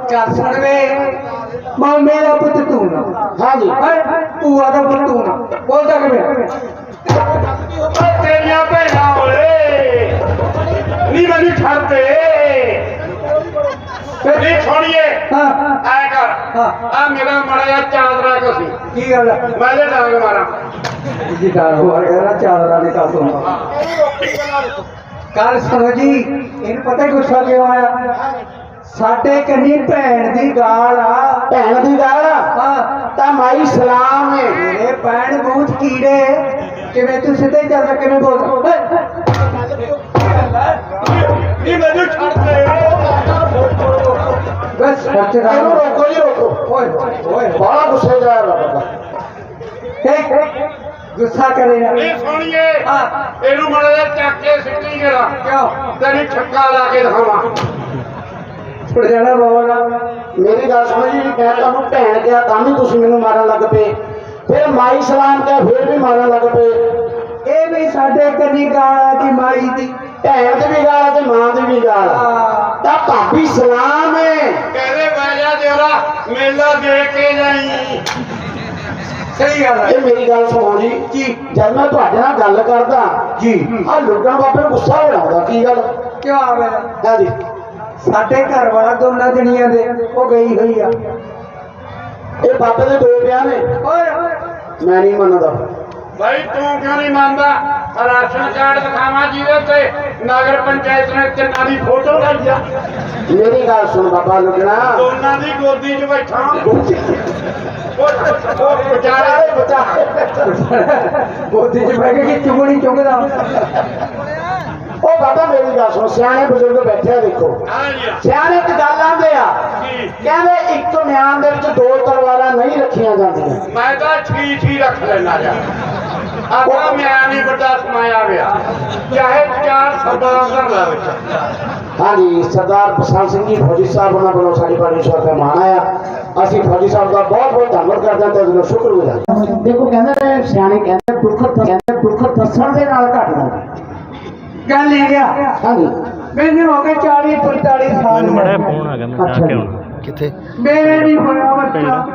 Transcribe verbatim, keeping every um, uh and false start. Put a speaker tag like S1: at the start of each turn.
S1: ਚੱਲ ਸੁਣ ਵੇ ਮਾਂ ਮੇਰਾ ਪੁੱਤ ਤੂੰ ਨਾ
S2: हाँ जी
S1: ਭੂਆ ਦਾ ਪੁੱਤ ਤੂੰ ਨਾ ਬੋਲਦਾ ਕਿਵੇਂ
S3: ਤੇਰੀਆਂ ਭੈਣਾਂ ਓਏ ਨੀ ਮੈਨੂੰ ਛੱਡ ਦੇ ਨੀ ਛੋੜੀਏ
S1: ਹਾਂ
S3: ਐ ਕਰ
S1: ਹਾਂ
S3: ਆ ਮੇਰਾ ਮੜਾ ਜਿਹਾ ਚਾਦਰਾ ਕੋਸੀ
S1: ਕੀ ਗੱਲ ਹੈ
S3: ਮੈਂ ਤੇ ਡਾਂਗ ਮਾਰਾਂ
S1: ਜੀ ਡਰ ਹੋ ਰਿਹਾ ਚਾਦਰਾ ਦੇ ਕਾਸੋਂ ਕੱਲ ਸੁਣੋ ਜੀ ਇਹਨੂੰ ਪਤਾ ਗੁੱਸਾ ਕਿਉਂ ਆਇਆ ਸਾਡੇ ਕੰਨੀ ਭੈਣ ਦੀ ਗਾਲ ਆ
S2: भैन की गाल
S1: ਹਾਂ
S2: ता माई सलाम है
S1: ਮੇਰੇ ਭੈਣ ਬੂਝ ਕੀੜੇ ਕਿਵੇਂ ਤੂੰ ਸਿੱਧੇ ਚੱਲਦਾ ਕਿਵੇਂ ਬੋਲਦਾ
S3: ਨੀ ਮੈਨੂੰ ਛੱਡ ਦੇ
S1: ਬਸ ਬੱਚੇ ਦਾ
S2: इन्हू रोको जी रोको
S1: ਓਏ ਓਏ
S2: बड़ा गुस्से का है बाबा
S1: ਠੀਕ ਗੁੱਸਾ ਕਰੇ ਨਾ
S3: ਨੀ ਸੋਣੀਏ
S1: ਹਾਂ
S3: ਇਹਨੂੰ ਮੜਾ ਜਿਹਾ ਚੱਕ ਕੇ ਸਿੱਟੀ ਕਰਾ
S1: ਕਿਉਂ
S3: ਤੈਨੂੰ ਛੱਕਾ ਲਾ ਕੇ ਦਿਖਾਵਾਂ
S1: ਛੁੱਟ ਜਾਣਾ ਬੋਲ
S2: मेरी गल सुनो जी मैं तुहानू भैन कहा तां भी तुसीं मैनू मारन लग पे फिर माई सलाम कहा फिर भी मारन लग पे
S1: ਇਹ ਵੀ ਸਾਡੇ ਕੰਨੀ ਗਾਲ ਆ ਦੀ ਮਾਈ ਦੀ
S2: भैन की भी गाल ते मां की भी गाल
S1: ਹਾਂ
S2: ता भाभी सलाम है
S3: ਕਹਿੰਦੇ ਬਹਿ ਜਾ ਦੇਵਰਾ ਮੇਲਾ ਦੇਖ ਕੇ ਜਾਈ
S1: ਸਹੀ ਗੱਲ ਹੈ
S2: ये मेरी गल सुनो जी
S1: ਜੀ
S2: जब मैं तुहाडे नाल गल करदा
S1: ਜੀ
S2: आ लुगण बाबे गुस्सा हो जांदा की गल
S1: ਕਿਉਂ ਆਵੇ
S2: हां जी
S1: ਸਾਡੇ ਘਰ ਵਾਲਾ ਦੋਨਾਂ ਜਣੀਆਂ ਦੇ ਉਹ ਗਈ ਹੋਈ ਆ
S2: ये बाबे दे दो ब्याह ने
S1: ਓਏ
S2: मैं नहीं मनदा
S3: ਭਾਈ ਤੂੰ ਕਿਉਂ ਨਹੀਂ ਮੰਨਦਾ ਰਾਸ਼ਨ ਕਾਰਡ ਦਿਖਾਵਾਂ ਜਿਹਦੇ ਤੇ ਨਗਰ ਪੰਚਾਇਤ ਨੇ ਤਿੰਨਾਂ ਦੀ ਫੋਟੋ ਲਾਈ ਆ
S2: मेरी गल सुन बाबा लुगना
S3: ਦੋਨਾਂ ਦੀ ਗੋਦੀ 'ਚ ਬੈਠਾ ਉਹ ਉਹ ਵਿਚਾਰੇ
S2: बचा
S1: ਗੋਦੀ 'ਚ ਬਹਿ ਕੇ ਕਿ ਚੁਗਣੀ ਚੁਗਦਾ
S2: ओ बाबा मेरी गल सुन सियाने बुजुर्ग बैठे आ देखो
S3: ਹਾਂ ਜੀ
S2: सियाने एक गल आंदे आ
S3: ਕੀ
S2: कहंदे एक म्यान दे विच दो तलवारां नहीं रखियां जांदियां
S3: ਮੈਂ ਤਾਂ ਛੀ ਛੀ ਰੱਖ ਲੈਣਾ ਜਾ ਆਪਣਾ ਮੈਂ ਨਹੀਂ ਵੱਡਾ ਸਮਾਇਆ ਗਿਆ ਚਾਹੇ ਚਾਰ ਸਰਦਾਰ ਦਾ ਲਾ ਵਿੱਚ
S2: हाँ जी सरदार बसंत सिंह जी फौजी साहब उन्होंने वालों साड़ी पार्टी सौ रुपया मान आया असं फौजी साहब का बहुत बहुत धन्यवाद करते हैं तो उसका शुक्रगुजार देखो कहते हैं सियाने कहते दुख कहते दुख दसन के नाल घट जाता
S1: ਗੱਲ ਇਹ ਗਿਆ
S2: हाँ जी
S1: ਮੈਨੂੰ ਹੋ ਗਏ ਚਾਲੀ ਪੰਤਾਲੀ ਸਾਲ
S4: ਮੈਨੂੰ ਮੜਾ ਫੋਨ ਆ ਗਿਆ ਮੈਂ ਆ ਕੇ ਆਉਣਾ
S2: किथे
S1: ਮੇਰੇ ਨਹੀਂ ਹੋਇਆ ਬੱਚਾ